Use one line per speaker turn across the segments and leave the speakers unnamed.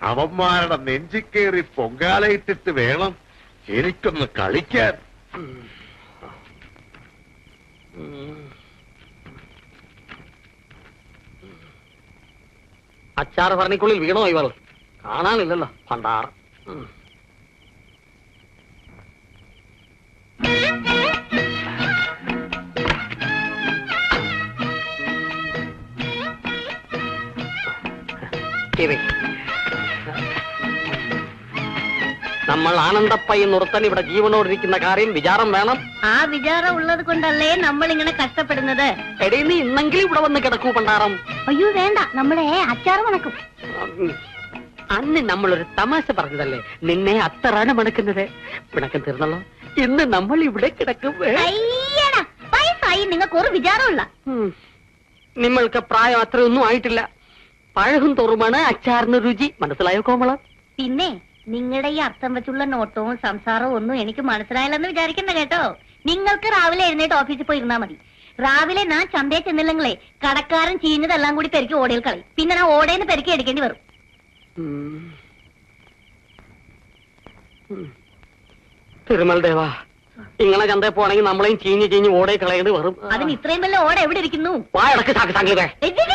അവന്മാരുടെ നെഞ്ചിക്കേറി പൊങ്കാലയിട്ടിട്ട് വേണം എനിക്കൊന്ന് കളിക്കാൻ.
അച്ചാറ് ഭരണിക്കുള്ളിൽ വീണോ ഇവൾ? കാണാനില്ലല്ലോ ഭണ്ടാർ. നമ്മൾ ആനന്ദപ്പയ്യ നിർത്തൻ ഇവിടെ ജീവനോടിരിക്കുന്ന കാര്യം വിചാരം വേണം.
ആ വിചാരം ഉള്ളത് കൊണ്ടല്ലേ നമ്മൾ ഇങ്ങനെ കഷ്ടപ്പെടുന്നത്.
എടീ, നീ ഇന്നെങ്കിലും ഇവിടെ വന്ന് കിടക്കൂ പണ്ടാറം.
അയ്യോ വേണ്ട, നമ്മളെ അച്ചാറ് മണക്കും.
അന്ന് നമ്മളൊരു തമാശ പറഞ്ഞതല്ലേ നിന്നെ അത്തറാണ് മണക്കുന്നത്. പിണക്കം തീർന്നല്ലോ. ഇന്ന് നമ്മൾ ഇവിടെ കിടക്കും.
വയസ്സായി നിങ്ങൾക്ക് ഒരു വിചാരമില്ല.
നിങ്ങൾക്ക് പ്രായം അത്രയൊന്നും ആയിട്ടില്ല. പഴകും തോറുമാണ് അച്ചാറിന് രുചി. മനസ്സിലായോ കോമളം?
പിന്നെ നിങ്ങളുടെ ഈ അർത്ഥം വെച്ചുള്ള നോട്ടവും സംസാരവും ഒന്നും എനിക്ക് മനസ്സിലായില്ലെന്ന് വിചാരിക്കണ്ട കേട്ടോ. നിങ്ങൾക്ക് രാവിലെ എഴുന്നേറ്റ് ഓഫീസിൽ പോയി ഇരുന്നാ മതി. രാവിലെ ഞാൻ ചന്തയിൽ ചെന്നില്ലെങ്കിലേ കടക്കാരൻ ചീഞ്ഞതെല്ലാം കൂടി പെരുക്കി ഓടയിൽ കളയും. പിന്നെ ഞാൻ ഓടേന്ന് പെരുക്കി എടുക്കേണ്ടി വരും.
തിരുമൽ ദേവാ, ഇങ്ങനെ ചന്തയിൽ പോണെങ്കിൽ നമ്മളെയും ചീഞ്ഞ് ചീഞ്ഞ് ഓടയിൽ കളയേണ്ടി വരും.
അതിന് ഇത്രയും വല്ല ഓട എവിടെ ഇരിക്കുന്നു?
വായടക്ക് സംഗീതേ.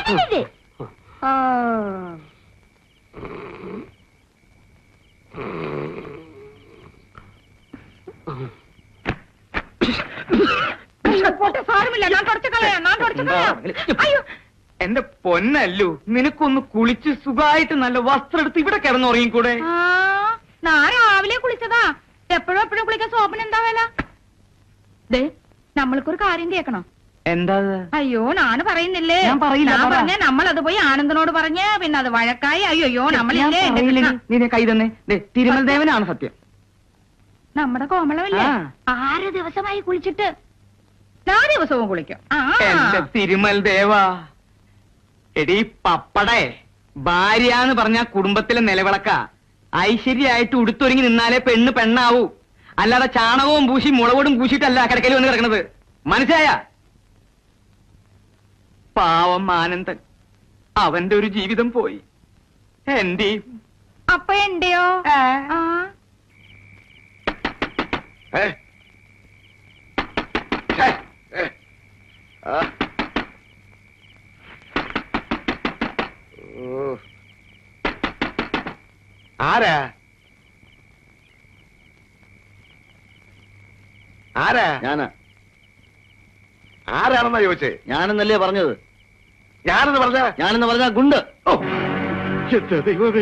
എന്റെ പൊന്നല്ലു, നിനക്കൊന്ന് കുളിച്ച് സുഖമായിട്ട് നല്ല വസ്ത്രം എടുത്ത് ഇവിടെ കിടന്നുറങ്ങിക്കൂടെ?
ഞാൻ രാവിലെ കുളിച്ചതാ. എപ്പോഴും എപ്പോഴും കുളിക്കാൻ സോപ്പിന് എന്താ വില? നമ്മൾക്കൊരു കാര്യം കേൾക്കണം.
എന്താ?
അയ്യോ ഞാൻ പറയുന്നില്ലേ.
ഞാൻ പറയില്ല.
പറഞ്ഞ നമ്മളത് പോയി ആനന്ദനോട് പറഞ്ഞ് പിന്നെ അത് വഴക്കായി. അയ്യോ നമ്മളില്ലേ
നീ കൈ തന്നെ. തിരുമൽ ദേവനാണ് സത്യം.
നമ്മുടെ കോമളമല്ലേ 6 ദിവസമായി കുളിച്ചിട്ട്. 4 ദിവസവും കുളിക്കും.
എന്റെ തിരുമൽ ദേവാ, എടീ പപ്പടേ, ഭാര്യ പറഞ്ഞ കുടുംബത്തിലെ നിലവിളക്ക. ഐശ്വര്യായിട്ട് ഉടുത്തൊരുങ്ങി നിന്നാലേ പെണ്ണ് പെണ്ണാവൂ. അല്ലാതെ ചാണകവും പൂശി മുളകോടും പൂശിട്ടല്ല കിടക്കയിൽ വന്ന് കിടക്കണത്. മനസ്സിലായ? പാവം ആനന്ദൻ, അവന്റെ ഒരു ജീവിതം പോയി. എന്റെ
അപ്പൊ എന്റെയോ?
ആരാ ആരാ?
ഞാനാ.
ആരാണെന്നാ ചോദിച്ചേ?
ഞാനെന്നല്ലേ പറഞ്ഞത്?
ഞാനെന്ന്
പറഞ്ഞ ഗുണ്ട്.
ഓ എന്റെ ദൈവമേ.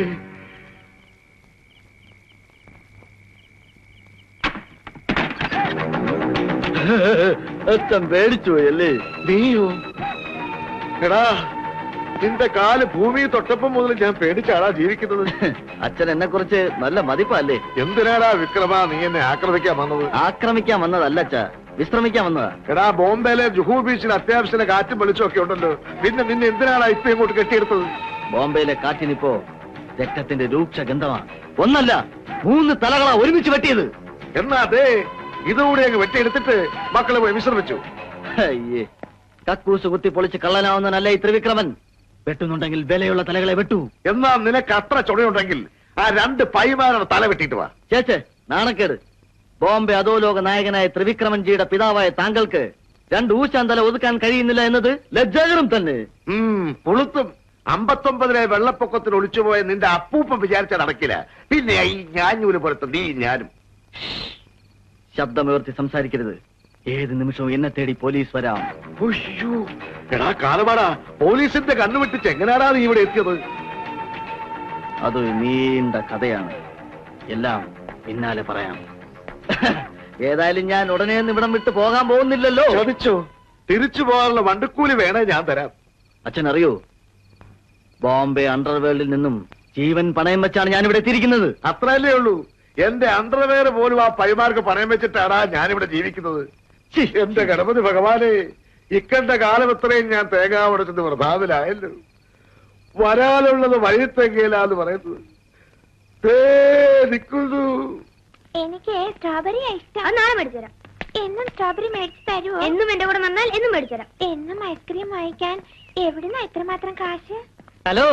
അച്ഛൻ പേടിച്ചു പോയല്ലേ?
നീയോ? എടാ, നിന്റെ കാല് ഭൂമി തൊട്ടപ്പം മുതൽ ഞാൻ പേടിച്ചാടാ ജീവിക്കുന്നത്.
അച്ഛൻ എന്നെ കുറിച്ച് നല്ല മതിപ്പല്ലേ?
എന്തിനാടാ വിക്രമ നീ എന്നെ ആക്രമിക്കാൻ വന്നത്?
ആക്രമിക്കാൻ വന്നതല്ല അച്ഛാ, വിശ്രമിക്കാൻ വന്നതാ.
എടാ, ബോംബെയിലെ ജുഹു ബീച്ചിൽ അത്യാവശ്യം കാറ്റും വെളിച്ചം ഒക്കെ ഉണ്ടല്ലോ. നിന്നെ എന്തിനാടാ ഇപ്പൊ ഇങ്ങോട്ട് കെട്ടിയെടുത്തത്?
ബോംബെയിലെ കാറ്റിനിപ്പോ രക്തത്തിന്റെ രൂക്ഷ ഗന്ധമാണ്. ഒന്നല്ല 3 തലകളാ ഒരുമിച്ച് വെട്ടിയത്.
എന്നാ അതെ, ഇതുകൂടി അങ്ങ് വെട്ടിയെടുത്തിട്ട് മക്കളെ പോയി വിശ്രമിച്ചു.
അയ്യേ, കക്കൂസ് കുത്തി പൊളിച്ച് കള്ളനാവുന്നവനല്ല ഈ ത്രിവിക്രമൻ. വെട്ടുന്നുണ്ടെങ്കിൽ വിലയുള്ള തലകളെ വെട്ടു.
എന്നാ നിനക്ക് അത്ര ചുണയുണ്ടെങ്കിൽ ആ 2 പൈമാരുടെ തല വെട്ടിയിട്ട് വാ.
ചേച്ചേ, നാണക്കേട്. ബോംബെ അധോലോക നായകനായ ത്രിവിക്രമൻജിയുടെ പിതാവായ താങ്കൾക്ക് 2 ഊശാൻ തല ഒതുക്കാൻ കഴിയുന്നില്ല എന്നത് ലജ്ജാകരം തന്നെ.
പുളുത്തും. 59-ലെ വെള്ളപ്പൊക്കത്തിൽ ഒളിച്ചുപോയ നിന്റെ അപ്പൂപ്പം വിചാരിച്ചാൽ നടക്കില്ല. പിന്നെ ഈ ഞാഞ്ഞൂല് പോലത്തെ നീ ഞാനും.
ശബ്ദമുയർത്തി സംസാരിക്കരുത്. ഏത് നിമിഷവും എന്നെ തേടി പോലീസ് വരാം.
എടാ കാലമാടാ, പോലീസിന്റെ കണ്ണുവിട്ടിച്ച് എങ്ങനെയാടാ നീ ഇവിടെ എത്തിയത്?
അതൊരു നീണ്ട കഥയാണ്. എല്ലാം പിന്നാലെ പറയാം. ഏതായാലും ഞാൻ ഉടനെ ഇവിടം വിട്ട് പോകാൻ പോകുന്നില്ലല്ലോ.
ചോദിച്ചോ? തിരിച്ചു പോകാനുള്ള വണ്ടിക്കൂലി വേണേ ഞാൻ തരാം.
അച്ഛൻ അറിയോ, ബോംബെ അണ്ടർവേൾഡിൽ നിന്നും ജീവൻ പണയം വെച്ചാണ് ഞാൻ ഇവിടെ എത്തിയിരിക്കുന്നത്.
അത്രയല്ലേ ഉള്ളൂ? എന്റെ അണ്ടർവെയർ പോലും ആ പൈമാർക്ക് പണയം വെച്ചിട്ടാടാ ഞാനിവിടെ ജീവിക്കുന്നത്. എന്റെ ഗണപതി ഭഗവാനെ, ഇക്കണ്ട കാലം എത്രയും ഞാൻ തേങ്ങ ഉടച്ചത് വൃഥാവിലായല്ലോ. വരാനുള്ളത് വഴിത്തെങ്കിലാന്ന് പറയുന്നത് നിൽക്കുന്നു.
എനിക്ക് സ്ട്രോബെറി ഇഷ്ടം. നാളെ മേടിച്ചു തരാം. എന്നും സ്ട്രോബെറി മേടിച്ചു തരുമോ? എന്നും എന്റെ കൂടെ വന്നാൽ എന്നും മേടിച്ചു തരാം. എന്നും ഐസ്ക്രീം വാങ്ങിക്കാൻ എവിടുന്ന ഇത്രമാത്രം കാശ്?
ഹലോ,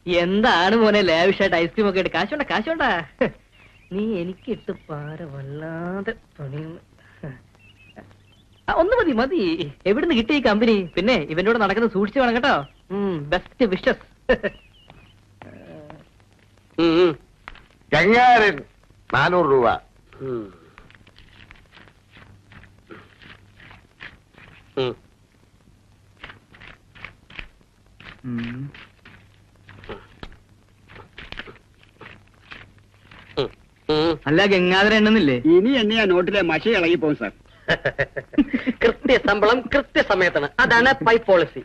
എന്താണ് മോനെ ലാവിഷായിട്ട് ഐസ്ക്രീം ഒക്കെ ഇട്ട് കാശോണ്ടാ നീ എനിക്കിട്ട് പാര വല്ലാതെ പണിയുന്നു. ഒന്ന് മതി എവിടുന്ന് കിട്ടി ഈ കമ്പനി? പിന്നെ ഇവനോട് നടക്കുന്നത് സൂക്ഷിച്ചു വേണം കേട്ടോ. Best wishes.
ഗംഗാരൻ 400 രൂപ.
അല്ല ഗംഗാധരൻ എണ്ണുന്നില്ലേ?
ഇനി എണ്ണയാ നോട്ടിലെ മഷി ഇളകി പോകും സാർ.
കൃത്യശമ്പളം കൃത്യസമയത്താണ്. അതാണ് പൈ പോളിസി.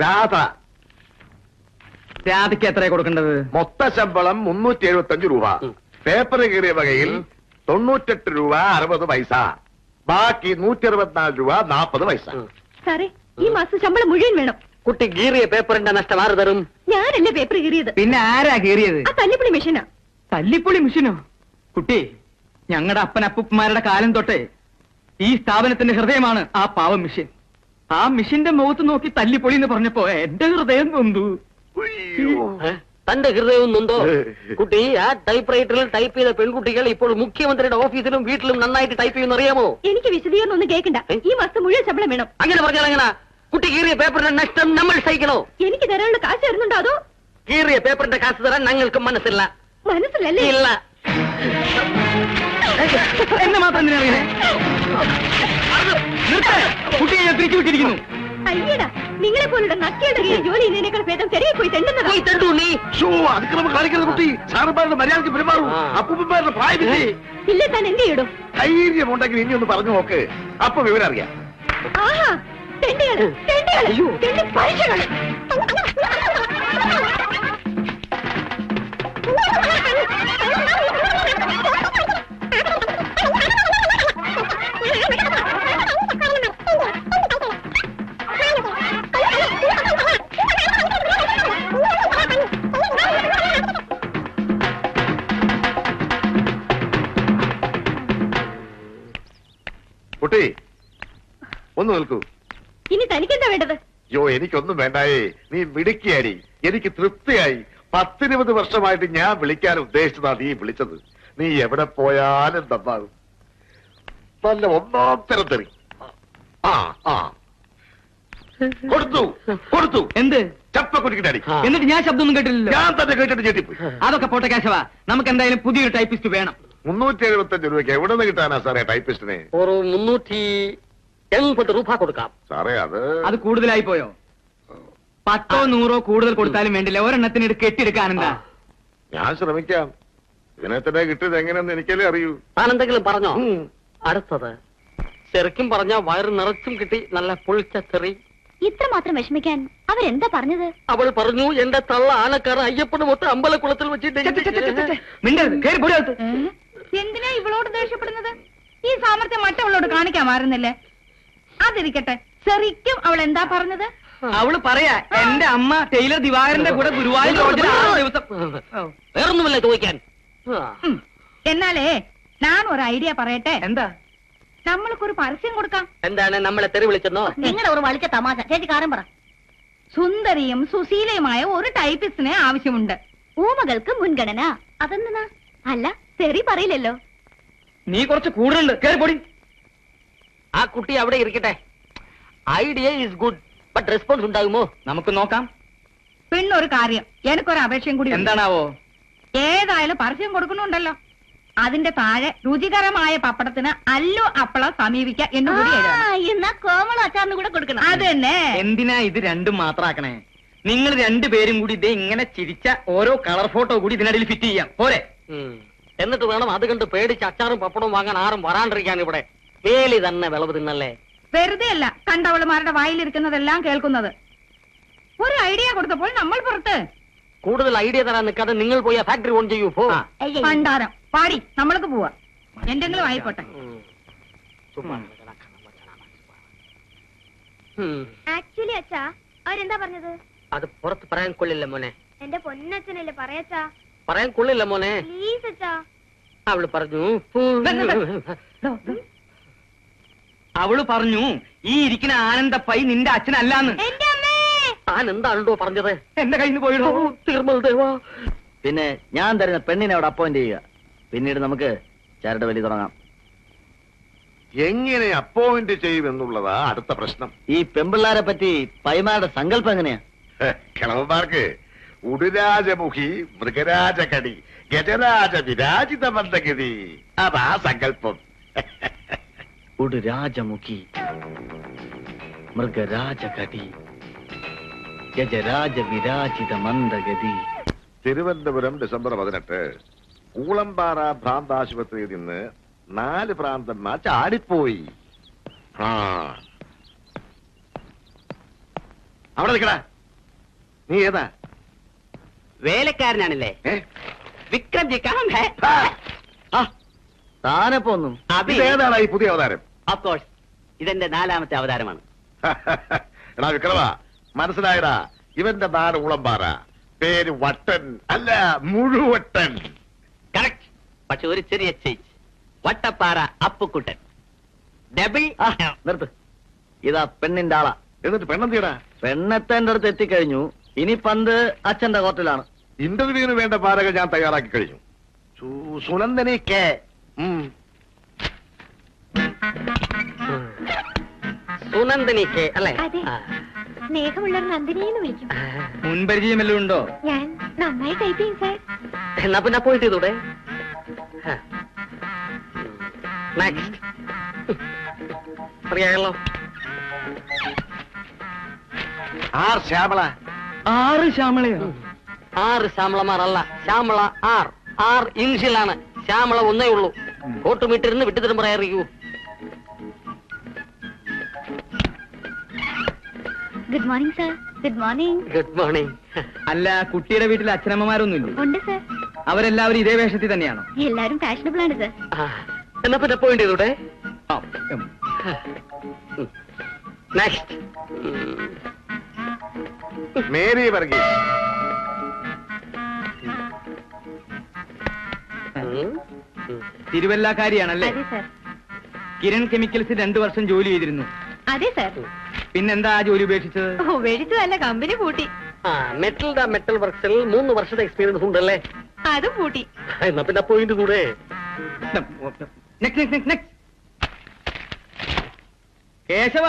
രാധയ്ക്ക് എത്രയാ കൊടുക്കേണ്ടത്?
മൊത്ത ശമ്പളം 375 രൂപ. പേപ്പർ കീറിയ വകയിൽ 98 രൂപ 60 പൈസ. ബാക്കി 164 രൂപ 40 പൈസ.
സാറേ, ഈ മാസം ശമ്പളം മുഴുവൻ വേണം.
കുട്ടി കീറിയ പേപ്പറിന്റെ നഷ്ടം ആര് തരും?
ഞാനല്ലേ പേപ്പർ കീറിയത്.
പിന്നെ ആരാ കീറിയത്?
ആ തല്ലിപ്പൊളി മെഷീനാ.
തല്ലിപ്പൊളി മിഷനോ? കുട്ടി, ഞങ്ങളുടെ അപ്പനപ്പന്മാരുടെ കാലം തൊട്ടേ ഈ സ്ഥാപനത്തിന്റെ ഹൃദയമാണ് ആ പാവ മിഷൻ. ആ മിഷന്റെ മുഖത്ത് നോക്കി തല്ലിപ്പൊളി എന്ന് പറഞ്ഞപ്പോ എന്റെ ഹൃദയം നൊന്തു.
തന്റെ ഹൃദയവും നൊന്തോ? കുട്ടി, ആ ടൈപ്പ് റൈറ്ററിൽ ടൈപ്പ് ചെയ്ത പെൺകുട്ടികൾ ഇപ്പോൾ മുഖ്യമന്ത്രിയുടെ ഓഫീസിലും വീട്ടിലും നന്നായിട്ട് ടൈപ്പ് ചെയ്യുന്ന അറിയാമോ?
എനിക്ക് വിശദീകരണം ഒന്നും കേൾക്കണ്ട. ഈ മാസം മുഴുവൻ ശമ്പളം വേണം.
അങ്ങനെ പറഞ്ഞാൽ എങ്ങനെ? കുട്ടി കീറിയ പേപ്പറിന്റെ നഷ്ടം നമ്മൾ സഹിക്കണോ?
എനിക്ക് തരാനുള്ള കാശ് തരുന്നുണ്ടോ? അതോ
കീറിയ പേപ്പറിന്റെ കാശ് തരാൻ ഞങ്ങൾക്ക് മനസ്സില്ല.
മനസ്സിലല്ലേ?
ഇല്ല.
എന്നെ മാത്രം എന്തിനാ അറിയണേ? കുട്ടിയെ ഞാൻ തിരിച്ചു വിട്ടിരിക്കുന്നു.
അയ്യടാ, നിങ്ങളെ പോലുള്ള നക്കിയുടെ ജോലി ചെയ്യുന്നതിനേക്കാൾ ഭേദം ചെറിയ പോയി തെണ്ടുന്നതാ.
പോയി തണ്ടു നീ.
അതിക്രമം കാണിക്കരുത് കുട്ടി. സാറന്മാരുടെ മര്യാദയ്ക്ക് പെരുമാറൂ. അപ്പൂപ്പന്മാരുടെ പ്രായമില്ലേ?
ഇല്ലേ, താൻ എന്ത് ചെയ്യടോ?
ധൈര്യമുണ്ടെങ്കിൽ ഇനി ഒന്ന് പറഞ്ഞു നോക്ക്. അപ്പൊ വിവരം അറിയാം.
ആഹാ, തെണ്ടിയാണ്, തെണ്ടിയാണ്, തെണ്ടി പരീക്ഷകള്.
കുട്ടി, ഒന്ന് നിൽക്കൂ.
ഇനി തനിക്കെന്താ വേണ്ടത്?
യോ, എനിക്കൊന്നും വേണ്ടായേ. നീ മിടുക്കിയാടി. എനിക്ക് തൃപ്തിയായി. 10-20 വർഷമായിട്ട് ഞാൻ വിളിക്കാൻ ഉദ്ദേശിച്ചതാ നീ വിളിച്ചത്. നീ എവിടെ പോയാലും നന്നാകും. നല്ല ഒന്നാം തരം തെറി. കൊടുത്തു.
എന്ത്?
ചപ്പക്കുറ്റിക്കിട്ടടി.
എന്നിട്ട് ഞാൻ ശബ്ദമൊന്നും കേട്ടില്ലല്ലോ.
ഞാൻ തന്നെ കേട്ടിട്ട് ഞെട്ടിപ്പോയി.
അതൊക്കെ പോട്ടെ കേശവ, നമുക്ക് എന്തായാലും പുതിയൊരു ടൈപ്പിസ്റ്റ് വേണം.
375 രൂപയ്ക്ക് എവിടെ നിന്ന് കിട്ടാനാ സാറേ ടൈപ്പിസ്റ്റിനെ?
ഒരു 380 രൂപ കൊടുക്കാം.
സാറേ,
അത് കൂടുതലായി പോയോ? 10 100 കൂടുതൽ കൊടുത്താലും വേണ്ടില്ല. ഒരെണ്ണത്തിന് കെട്ടിയെടുക്കാനെന്താ?
ഞാൻ ശ്രമിക്കാം. ഇതിനെ തന്നെ കിട്ടിയത് എങ്ങനെയെന്ന് എനിക്കല്ലേ അറിയൂ.
താനെന്തെങ്കിലും പറഞ്ഞോ? അടുത്തത് ശരിക്കും പറഞ്ഞ വയറ് നിറച്ചും കിട്ടി നല്ല പൊളിച്ച ചെറി.
ഇത്ര മാത്രം വിഷമിക്കാൻ അവരെന്താ പറഞ്ഞത്?
അവൾ പറഞ്ഞു, എന്റെ തള്ള ആനക്കാരൻ അയ്യപ്പന് മൊത്തം അമ്പലക്കുളത്തിൽ വെച്ചിട്ട്.
മിണ്ടരുത്, കേറി പോടി അകത്ത്.
എന്തിനാ ഇവളോട് ദേഷ്യപ്പെടുന്നത്? ഈ സാമർത്ഥ്യം മറ്റവളോട് കാണിക്കാമായിരുന്നില്ലേ? അതിരിക്കട്ടെ, ശരിക്കും അവൾ എന്താ പറഞ്ഞത്?
അവള് പറയാ, എന്റെ അമ്മ ടൈലർ ദിവാകരന്റെ കൂടെ ഗുരുവായൂർ ലോഡ്ജിൽ 6 ദിവസം.
വേറൊന്നുമില്ല ചോദിക്കാൻ.
എന്നാലേ ഞാൻ ഒരു ഐഡിയ പറയട്ടെ.
എന്താ?
നമ്മൾക്കൊരു പരസ്യം കൊടുക്കാം.
എന്താണ്, നമ്മളെ തെറി വിളിച്ചെന്നോ?
നിങ്ങളുടെ ഒരു വളിച്ച തമാശ. ചേച്ചി കാര്യം പറ.
സുന്ദരിയും സുശീലയുമായ ഒരു ടൈപ്പിസ്റ്റിനെ ആവശ്യമുണ്ട്.
ഊമകൾക്ക് മുൻഗണന. അതെന്തിനാ? അല്ല, തെറി പറയില്ലല്ലോ.
നീ കുറച്ച് കൂടുതലുണ്ട്, കേറി പോടി.
ആ കുട്ടി അവിടെ ഇരിക്കട്ടെ. Idea is good, but response ഉണ്ടാകുമോ?
നമുക്ക് നോക്കാം.
പിന്നൊരു കാര്യം, എനിക്കൊരു അപേക്ഷയും കൂടി ഉണ്ട്.
എന്താണാവോ?
ഏതായാലും പരസ്യം കൊടുക്കുന്നുണ്ടല്ലോ, അതിന്റെ താഴെ രുചികരമായ പപ്പടത്തിന് അല്ലു അപ്പള സമീപിക്ക എന്ന് കൂടി എഴുതണം.
എന്നാ കോമള അച്ചാറിന് കൂടെ കൊടുക്കണം.
അത് തന്നെ.
എന്തിനാ ഇത് രണ്ടും മാത്രാക്കണേ? നിങ്ങൾ രണ്ടുപേരും കൂടി ഇതേ ഇങ്ങനെ ചിരിച്ച ഓരോ കളർ ഫോട്ടോ കൂടി ഇതിനിടയിൽ ഫിറ്റ് ചെയ്യാം, പോരെ?
എന്നിട്ട് വേണം അത് കണ്ട് പേടിച്ച് അച്ചാറും പപ്പടവും വാങ്ങാൻ ആരും വരാണ്ടിരിക്കാൻ. ഇവിടെ വേലി തന്നെ വിളവ് തിന്നല്ലേ?
വെറുതെ അല്ല കണ്ടവളുമാരുടെ വായിലിരിക്കുന്നതെല്ലാം കേൾക്കുന്നത്. ഒരു ഐഡിയ കൊടുത്തപ്പോൾ നമ്മൾ പുറത്ത്.
കൂടുതൽ ഐഡിയ തരാൻ നിൽക്കാതെ നിങ്ങൾ പോയി ഫാക്ടറി ഓൺ ചെയ്യൂ.
പണ്ടാരം പാടി, നമ്മൾക്ക് പോവാ. എന്തെങ്കിലും ആയിക്കോട്ടെ.
ആക്ച്വലി അച്ഛാ, അവരെന്താ പറഞ്ഞത്?
അത് പുറത്ത് പറയാൻ കൊള്ളില്ല മോനെ.
എന്റെ പൊന്നച്ഛനല്ലേ പറയച്ചാ.
പറയാൻ കൊള്ളില്ല മോനെ.
പ്ലീസ് അച്ഛാ.
അവള് പറഞ്ഞു
അവള് പറഞ്ഞു ഈ ഇരിക്കുന്ന ആനന്ദപ്പൈ നിന്റെ അച്ഛനല്ലാന്ന്.
എന്റെ അമ്മേ,
താൻ എന്താണല്ലോ പറഞ്ഞത്?
എന്റെ കയ്യിൽ നിന്ന് പോയിടോ.
തിരുമൽ ദേവാ.
പിന്നെ ഞാൻ തരുന്ന പെണ്ണിനെ അവിടെ അപ്പോയിന്റ് ചെയ്യുക. പിന്നീട് നമുക്ക് ചരട് വലി തുടങ്ങാം.
എങ്ങനെ അപ്പോയിന്റ് ചെയ്യുമെന്നുള്ളതാ അടുത്ത പ്രശ്നം.
ഈ പെമ്പിള്ളാരെ പറ്റി പൈമാരുടെ സങ്കല്പം എങ്ങനെയാ?
കിളവന്മാർക്ക് ഉടുരാജമുഖി, മൃഗരാജകടി, ഗജരാജ വിരാജിത മന്ദഗതി, അതാ സങ്കല്പം.
ഒരു രാജമുഖി, മൃഗരാജകടി, ഗജരാജ വിരാജിത മന്ദഗതി.
തിരുവനന്തപുരം ഡിസംബർ 18 കൂളമ്പാറ ഭ്രാന്താശുപത്രിയിൽ നിന്ന് 4 ഭ്രാന്തന്മാർ ചാടിപ്പോയി. അവിടെ നിൽക്കടാ. നീ ഏതാ?
വേലക്കാരനാണല്ലേ? വിക്രം ജി കാം ഹേ?
താനെ പോന്നു.
ഏതാണ് ഈ പുതിയ അവതാരം?
ഓഫ് കോഴ്സ്, ഇതെന്റെ 4ാമത്തെ അവതാരമാണ്.
എടാ വിക്രമ, മനസ്സിലായടാ, ഇവന്റെ നാട് ഉളമ്പാറ, പേര് വട്ടൻ അല്ല മുഴുവട്ടൻ.
കറക്റ്റ്. പക്ഷെ ഒരു ചെറിയ ചേഞ്ച്. വട്ടപ്പാറ അപ്പുക്കുട്ടൻ. ഡബിൾ.
നിർത്ത്. ഇതാ പെണ്ണിന്റെ ആളാ.
എന്നിട്ട് പെണ്ണെന്തിയടാ?
പെണ്ണെത്തേന്റെ അടുത്ത് എത്തിക്കഴിഞ്ഞു. ഇനി പന്ത് അച്ഛന്റെ കോർട്ടിലാണ്.
ഇന്റർവ്യൂവിന് വേണ്ട പാരകൾ ഞാൻ തയ്യാറാക്കി കഴിഞ്ഞു. സുനന്ദനി കെ.
സുനന്ദനി കെ അല്ലേ?
അതെ. സ്നേഹമുള്ള നന്ദിനിയെന്ന് വിളിക്കും.
മുൻപരിചയമെല്ലാം ഉണ്ടോ?
ഞാൻ നന്നായി ടൈപ്പ് ചെയ്യും സാർ.
എന്നാ പിന്നെ പോയിട്ട് ചെയ്തൂടെ? നെക്സ്റ്റ്. അറിയാമല്ലോ.
ആർ ശ്യാമള.
6 ശ്യാമളയോ?
6 ശ്യാമളമാരല്ല, ശ്യാമള 6 ഇംഗ്ലീഷിലാണ്. ശ്യാമള ഒന്നേ ഉള്ളൂ. കോട്ടുമിട്ടിരുന്ന് വിട്ടുതരും പറയാറിയൂ.
Good morning sir. Good morning.
Good morning.
അല്ല, കുട്ടിയുടെ വീട്ടിൽ അച്ഛനമ്മമാരൊന്നുമില്ലേ?
ഉണ്ട് സാർ.
അവരെല്ലാവരും ഇതേ വേഷത്തിൽ തന്നെയാണോ?
എല്ലാരും ഫാഷനബിൾ ആണ് സാർ.
എന്നാ പിന്നെ പോയിന്റ് ചെയ്തൂടെ?
ആ,
നെക്സ്റ്റ്.
മേരി വർഗീസ്.
തിരുവല്ലാക്കാരിയാണല്ലേ?
അതെ സാർ.
കിരൺ കെമിക്കൽസിൽ 2 വർഷം ജോലി ചെയ്തിരുന്നു.
അതെ സാർ.
പിന്നെന്താ ആ ജോലി ഉപേക്ഷിച്ചത്?
മേടിച്ചതല്ല, കമ്പനി പൂട്ടി.
മെറ്റൽ വർക്സിൽ 3 വർഷത്തെ എക്സ്പീരിയൻസ് ഉണ്ടല്ലേ?
അതും പൂട്ടി.
എന്നാ പിന്നെ പോയിന്റ് കൂടെ.
കേശവ,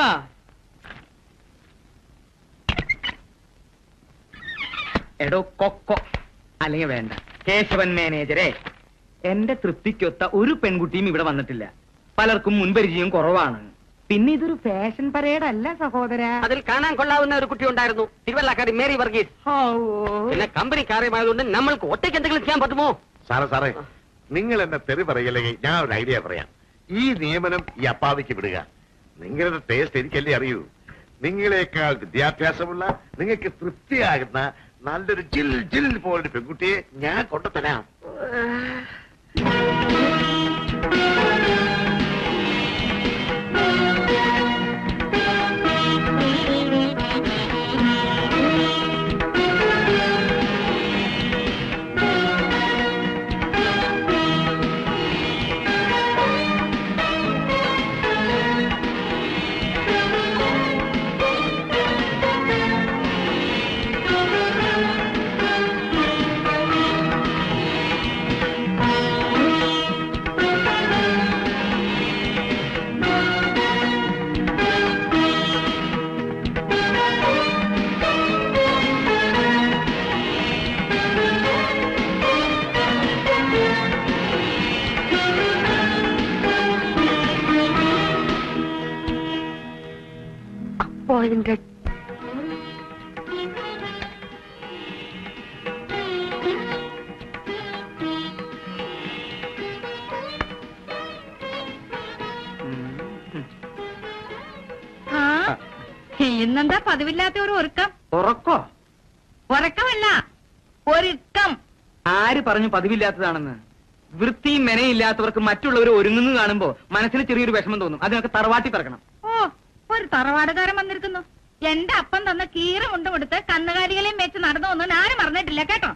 എടോ കൊക്കോ, അല്ലെങ്കിൽ വേണ്ട, കേശവൻ മാനേജരെ, എന്റെ തൃപ്തിക്കൊത്ത ഒരു പെൺകുട്ടിയും ഇവിടെ വന്നിട്ടില്ല. പലർക്കും മുൻപരിചയം കുറവാണ്. പിന്നെ ഇതൊരു ഫാഷൻ പരേഡ് അല്ല സഹോദര.
അതിൽ കാണാൻ കൊള്ളാവുന്ന ഒരു കുട്ടി ഉണ്ടായിരുന്നു, തിരുവല്ലാക്കാരി മേരി വർഗീസ്. പിന്നെ കമ്പനി കാര്യമായതുകൊണ്ട് നമ്മൾക്ക് ഒറ്റയ്ക്ക് എന്തെങ്കിലും ചെയ്യാൻ പറ്റുമോ?
സാറേ നിങ്ങൾ എന്നെ തെറി പറയില്ലെങ്കിൽ ഞാൻ ഒരു ഐഡിയ പറയാം. ഈ നിയമനം ഈ അപ്പാവിക്ക് വിടുക. നിങ്ങളുടെ ടേസ്റ്റ് എനിക്കല്ലേ അറിയൂ. നിങ്ങളെക്കാൾ വിദ്യാഭ്യാസമുള്ള, നിങ്ങൾക്ക് തൃപ്തിയാകുന്ന നല്ലൊരു ജിൽ ജിൽ പോലൊരു പെൺകുട്ടിയെ ഞാൻ കൊണ്ടുതരാം.
Appointed.
ഇന്നെന്താ പതിവില്ലാത്ത ഒരു ഒരുക്കം?
ഉറക്കോ?
ഉറക്കമല്ല, ഒരുക്കം.
ആര് പറഞ്ഞു പതിവില്ലാത്തതാണെന്ന്? വൃത്തിയും മെനയില്ലാത്തവർക്ക് മറ്റുള്ളവർ ഒരുങ്ങുന്നു കാണുമ്പോ മനസ്സിന് ചെറിയൊരു വിഷമം തോന്നും. അതിനൊക്കെ തറവാട്ടി പറക്കണം.
ഓ, ഒരു തറവാടുകാരൻ വന്നിരിക്കുന്നു. എന്റെ അപ്പം തന്ന കീറ മുണ്ടും കൊടുത്ത് കന്നുകാലികളെയും വെച്ച് നടന്നു ഒന്നും ആരും മറന്നിട്ടില്ല കേട്ടോ.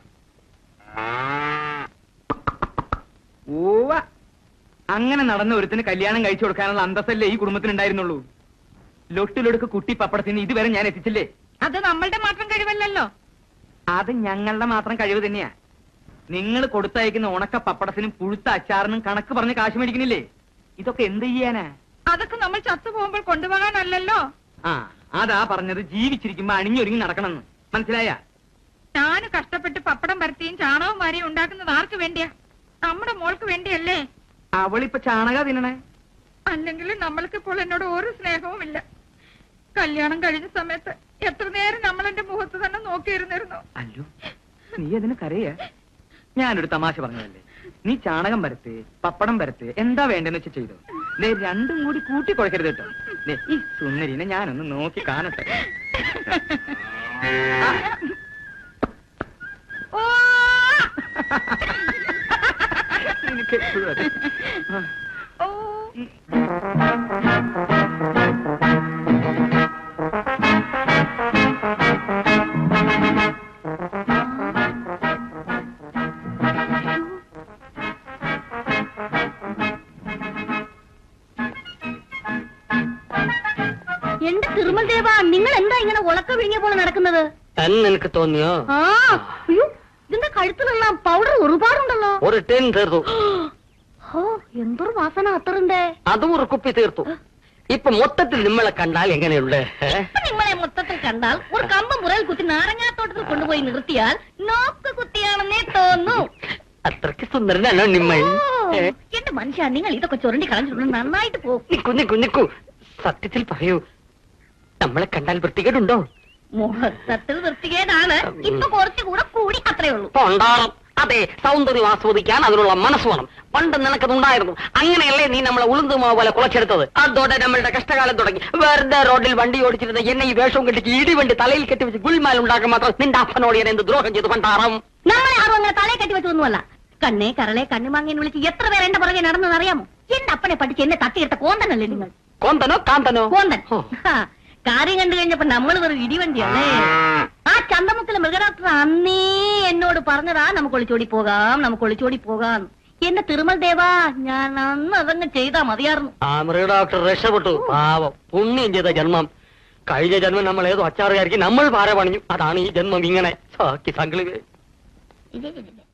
ഓവ, അങ്ങനെ നടന്ന ഒരുത്തിന് കല്യാണം കഴിച്ചു കൊടുക്കാനുള്ള അന്തസ്സല്ലേ ഈ കുടുംബത്തിനുണ്ടായിരുന്നുള്ളൂ. ലൊട്ടിലൊടുക്ക് കുട്ടി പപ്പടത്തിന് ഇതുവരെ ഞാൻ എത്തിച്ചില്ലേ?
അത് നമ്മളുടെ മാത്രം കഴിവല്ലല്ലോ.
അത് ഞങ്ങളുടെ മാത്രം കഴിവ് തന്നെയാ. നിങ്ങൾ കൊടുത്തയക്കുന്ന ഉണക്ക പപ്പടത്തിനും പുഴുത്ത അച്ചാറിനും കണക്ക് പറഞ്ഞ് കാശ് മേടിക്കുന്നില്ലേ? ഇതൊക്കെ എന്ത് ചെയ്യാനാ?
അതൊക്കെ നമ്മൾ ചത്തു പോകുമ്പോൾ കൊണ്ടുപോകാനല്ലല്ലോ.
ആ അതാ പറഞ്ഞത്, ജീവിച്ചിരിക്കുമ്പോ അണിഞ്ഞൊരുങ്ങി നടക്കണമെന്ന്. മനസ്സിലായ?
ഞാൻ കഷ്ടപ്പെട്ട് പപ്പടം പരത്തിയും ചാണകവും വാരിയും ഉണ്ടാക്കുന്നത് ആർക്ക് വേണ്ടിയാ? നമ്മുടെ മോൾക്ക് വേണ്ടിയല്ലേ?
അവളിപ്പൊ ചാണക തിന്നണേ.
അല്ലെങ്കിൽ നമ്മൾക്കിപ്പോൾ എന്നോട് ഒരു സ്നേഹവും ഇല്ല. കല്യാണം കഴിഞ്ഞ സമയത്ത് എത്ര നേരം നമ്മൾ എന്റെ മുഖത്ത് തന്നെ നോക്കിയിരുന്നിരുന്നു.
അല്ലോ, നീ അതിന് കരയാ? ഞാനൊരു തമാശ പറഞ്ഞതല്ലേ. നീ ചാണകം പരത്ത്, പപ്പടം പരത്ത്, എന്താ വേണ്ടെന്ന് വെച്ച് ചെയ്തോ. രണ്ടും കൂടി കൂട്ടി കുഴക്കരുത് കേട്ടോ. ഈ സുന്ദരിനെ ഞാനൊന്ന് നോക്കി കാണട്ടെ.
ഓ
നിനക്ക് എപ്പോഴും അതെ.
ഓ
എന്റെ തിരുമൽ ദേവ, നിങ്ങൾ എന്താ ഇങ്ങനെ ഉളക്ക വിഴിഞ്ഞ പോലെ നടക്കുന്നത്?
നിനക്ക് തോന്നിയോ?
ആ അയ്യോ, ഇതിന്റെ കഴുത്തിലുള്ള പൗഡർ ഒരുപാടുണ്ടല്ലോ.
ഒരു ടെൻ തീർത്തു.
ഓ എന്തൊരു വാസന അത്തറിന്റെ.
അതും ഒരു കുപ്പി തീർത്തു. ഇപ്പൊ മൊത്തത്തിൽ നിങ്ങളെ കണ്ടാൽ എങ്ങനെയുണ്ട്?
നിങ്ങളെ മൊത്തത്തിൽ കണ്ടാൽ ഒരു കമ്പ് മുറയിൽ കുത്തി നാരങ്ങാത്തോട്ടത്തിൽ കൊണ്ടുപോയി നിർത്തിയാൽ നോക്ക് കുത്തിയാണെന്നേ തോന്നു.
അത്രക്ക് സുന്ദരനാണോ നിമ്മ?
എന്റെ മനുഷ്യ, നിങ്ങൾ ഇതൊക്കെ ചുരണ്ടി കളഞ്ഞിട്ടുണ്ട്. നന്നായിട്ട് പോകും.
നിക്കു സത്യത്തിൽ പറയൂ, നമ്മളെ കണ്ടാൽ വൃത്തികേടുണ്ടോ?
മൊത്തത്തിൽ വൃത്തികേടാണ്. ഇപ്പൊ കുറച്ചുകൂടെ കൂടി, അത്രേ ഉള്ളൂ.
ഉണ്ടാകും. അതെ, സൗന്ദര്യം ആസ്വദിക്കാൻ അതിനുള്ള മനസ്സ് വേണം. പണ്ട് നിനക്കതുണ്ടായിരുന്നു. അങ്ങനെയല്ലേ നീ നമ്മളെ ഉളുന്തുമാവ് പോലെ കുളച്ചെടുത്തത്? അതോടെ നമ്മളുടെ കഷ്ടകാലം തുടങ്ങി. വെറുതെ റോഡിൽ വണ്ടി ഓടിച്ചിരുന്ന എന്നെ ഈ വേഷവും കെട്ടിച്ച് ഇടിവണ്ടി തലയിൽ കെട്ടിവെച്ച് ഗുൽമാൽ ഉണ്ടാക്കാൻ മാത്രം നിന്റെ അപ്പനോട് ഞാൻ എന്ത് ദ്രോഹം ചെയ്തു പണ്ടാറാം?
നമ്മളെ ആരും അങ്ങനെ തലയെ കെട്ടി വെച്ചൊന്നുമല്ല. കണ്ണേ കരളെ കണ്ണുമാങ്ങിയെന്ന് വിളിച്ച് എത്ര പേര് എന്റെ പുറകെ നടന്നെന്ന് അറിയാമോ? എന്റെ അപ്പനെ പഠിച്ച് എന്നെ തട്ടിയെടുത്ത കോന്തനല്ലേ നിങ്ങൾ?
കോന്തനോ കാന്തനോ?
കോന്തൻ. കാര്യം കണ്ടു കഴിഞ്ഞപ്പോ നമ്മൾ വെറും ഇടിവണ്ടിയല്ലേ. ആ ചന്തമുക്കിലെ മൃഗഡോക്ടർ അന്നേ എന്നോട് പറഞ്ഞതാ, നമുക്ക് ഒളിച്ചോടി പോകാം. എന്റെ തിരുമൽ ദേവാ, ഞാൻ അന്ന് അതങ്ങ് ചെയ്താ മതിയായിരുന്നു.
ആ മൃഗഡോക്ടർ രക്ഷപ്പെട്ടു. പാവം, പുണ്യം ചെയ്ത ജന്മം. കഴിഞ്ഞ ജന്മം നമ്മൾ ഏതോ അച്ചാറുകാർക്ക് നമ്മൾ പാര പണിഞ്ഞു. അതാണ് ഈ ജന്മം ഇങ്ങനെ. സാക്കി സംഘളിവേ.